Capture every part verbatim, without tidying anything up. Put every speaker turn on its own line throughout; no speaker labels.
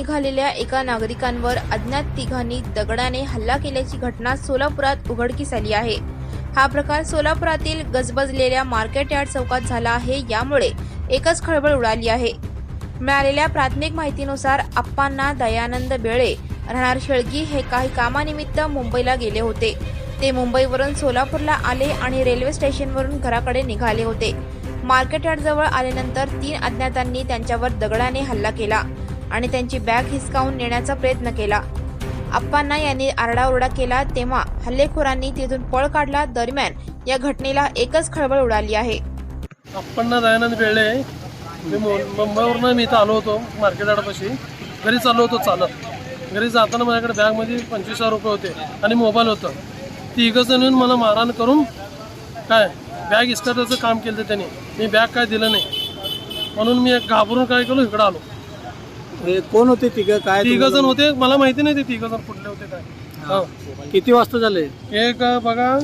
निघालेल्या एका नागरिकांवर अज्ञात तिघांनी दगडाने हल्ला केल्याची घटना सोलापुरात उघडकीस आली आहे। हा प्रकार सोलापुरातील गजबजलेल्या मार्केट यार्ड चौकात झाला आहे। यामुळे एकच खळबळ उडाली आहे। मिळालेल्या प्राथमिक माहितीनुसार अप्पांना दयानंद बेळे राहणार शेळगी हे काही कामानिमित्त मुंबईला गेले होते। ते मुंबईवरून सोलापूरला आले आणि रेल्वे स्टेशनवरून घराकडे निघाले होते। मार्केट यार्ड जवळ आल्यानंतर तीन अज्ञातांनी त्यांच्यावर दगडाने हल्ला केला आणि त्यांची बॅग हिसकावून नेण्याचा प्रयत्न केला। अप्पांना यांनी आरडाओरडा केला तेव्हा हल्लेखोरांनी तिथून पळ काढला। दरम्यान या घटनेला एकच खळबळ उडाली आहे।
अप्पांना दयानंद बेळे, मी मुंबईवरून मी इथं आलो होतो मार्केट यार्डपाशी। घरी चाललो होतो चालत। घरी जाताना माझ्याकडे बॅगमध्ये पंचवीस हजार रुपये होते आणि मोबाईल होतं। तिघं जण येऊन मला मारहाण करून काय बॅग इस्कटाचं काम केलं त्यांनी। मी बॅग काय दिलं नाही म्हणून मी घाबरून काय केलं इकडं आलो।
हे कोण होते तिघं? काय
तिघं जण होते, मला माहिती नाही ते तिघं जण कुठले होते काय। हो,
किती वाजता झाले?
एक बघा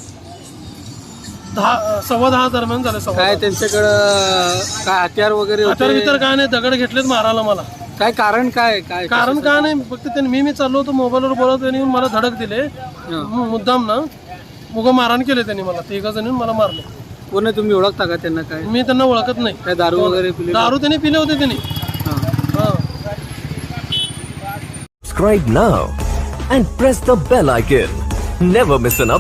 दहा सव्वा दहा दरम्यान झाले। सव्वा
काय त्यांच्याकडं काय हत्यार वगैरे
हत्यार
होते?
बितर काय नाही, दगड घेतलेत मारायला मला।
काय कारण काय काय
कारण काय नाही, फक्त त्यांनी मी मी चाललो होतो मोबाईलवर बोलत, त्यांनी येऊन मला धडक दिले मुद्दाम ना, मुग मारहाण केले त्यांनी मला। तिघं जण येऊन मला मारले।
कोण आहे, तुम्ही ओळखता का त्यांना? काय
मी त्यांना ओळखत नाही।
काय दारू वगैरे पिले?
दारू त्यांनी पिले होते त्यांनी।
हां।
Subscribe now and press the bell icon. Never miss an update.